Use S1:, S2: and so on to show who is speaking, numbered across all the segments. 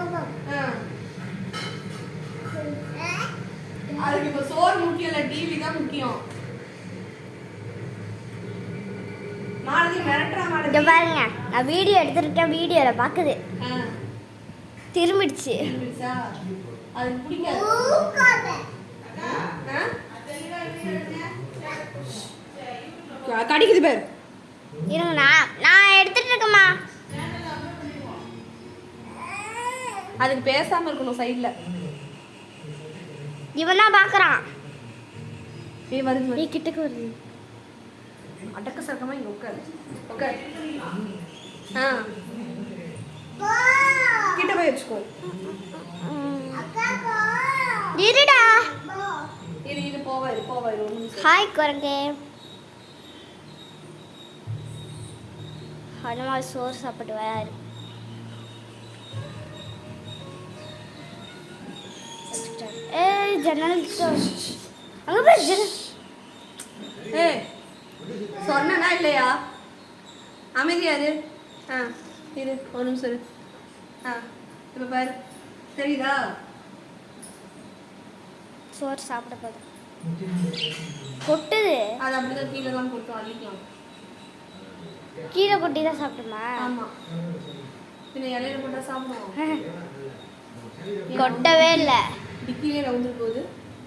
S1: அதுக்கு இப்ப சோறு முக்கியம் இல்ல, டிவி தான் முக்கியம். மாலதி மிரட்டுறா மாலதி.
S2: இங்க பாருங்க, நான் வீடியோ எடுத்துருக்கேன், வீடியோல பாக்குது. திரும்பிடுச்சு.
S1: திரும்பிடுச்சா? அதுக்கு பிடிக்காது. கடிக்குது பேர்.
S2: இருங்க, நான் எடுத்துட்டு இருக்கேம்மா.
S1: அதுக்கு பேசாம இருக்கணும் சைடுல.
S2: இவன் தான் பாக்குறான்.
S1: வருது
S2: நீ கிட்டக்கு வருது.
S1: அடக்க சக்கமா இங்க உட்காரு. உட்காரு. கிட்ட போய் வச்சுக்கோ.
S2: இருடா.
S1: இரு போவாரு ஒரு நிமிஷம்.
S2: ஹாய் குரங்கே. ஹனுமான் சோறு சாப்பிட்டு வராரு. ஏய் ஜன்னல் அங்க போய் ஜன்னல்.
S1: ஏய் சொன்னா இல்லையா? அமைதியா இரு. இரு ஒரு நிமிஷம் இரு. இப்ப பாரு, தெரியுதா?
S2: சோறு சாப்பிட போது கொட்டுது.
S1: அது அப்படிதான் கீழே தான் கொட்டும், அள்ளிக்கலாம்.
S2: கீழே கொட்டி தான் சாப்பிட்டுமா?
S1: ஆமா, பின்ன இலையில போட்டா சாப்பிடுவோம்.
S2: கொட்டவே இல்லை.
S1: டிக்கிலே ரவுண்டு போகுது.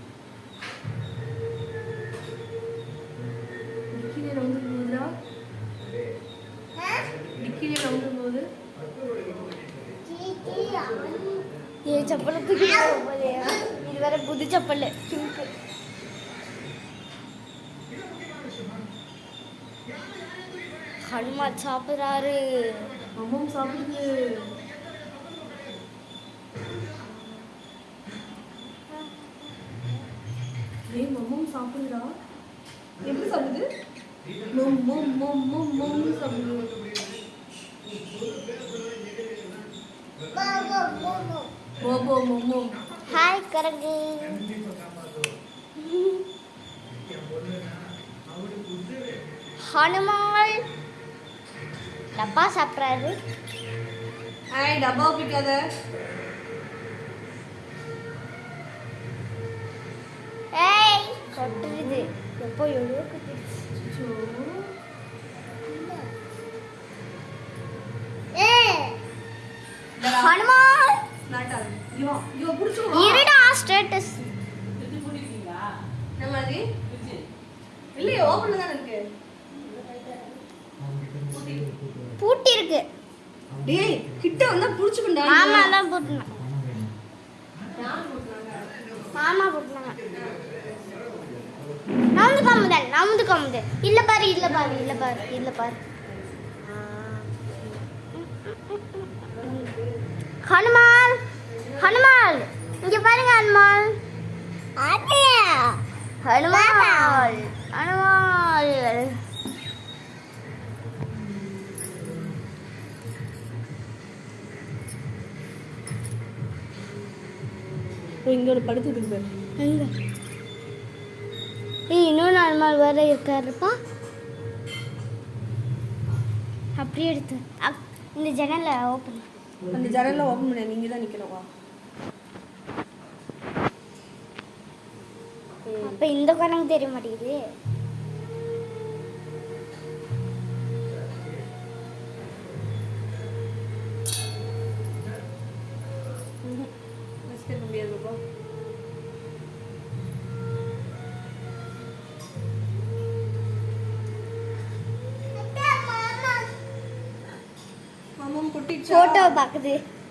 S1: டிக்கிலே ரவுண்டு போகுதா? டிக்கிலே ரவுண்டு போகுது.
S2: ஏ செப்பலுக்கு இது வேற புது செப்பல். ஹனுமான் சாப்பிட்றாரு.
S1: அம்மாவும் சாப்பிடுது. ஏய் மம்மும் சாப்பிடுறா. எப்படி சாப்பிடுது? மம் மம் மம் மம் மம் சாப்பிடுது. போபோ மம்மோ.
S2: ஹாய் கரங்கு. ஹனுமான் டப்பா சாப்பிட்றாரு.
S1: ஹாய் டப்பா பிடிக்காத.
S2: ஏய் கொட்டுது. எப்போ எவ்வளோ கொட்டுச்சு. ஹனுமான்
S1: நாட்டாது. இவ புடிச்சு
S2: இருடா ஸ்டேட்டஸ்.
S1: இந்த மாதிரி இல்லையே, ஓபன்ல தான் இருக்கு.
S2: பூட்டி இருக்கு.
S1: டேய் கிட்ட வந்தா புடிச்சுக்கண்டா.
S2: மாமா தான் போட்டுனாங்க.
S1: யார் போட்டுனாங்க?
S2: மாமா போட்டுனாங்க. நவுந்து காமுதல். இல்ல பாரு. ஹனுமான் இங்க பாருங்க. ஹனுமான்
S1: இங்க ஒரு படுத்துட்டு இருக்கு.
S2: எங்க? இன்னொரு ஹனுமான் வேற இருக்காருப்பா. அப்படியே எடுத்து இந்த ஜன்னலை ஓப்பன்.
S1: அந்த ஜன்னலை ஓப்பன் பண்ண நீங்க தான் நிக்கணுமா?
S2: அப்ப இந்த குரங்கு தெரிய மாட்டேங்குது.
S1: முடியாதுப்பா. மாமா குட்டி
S2: போட்டோ பாக்குது.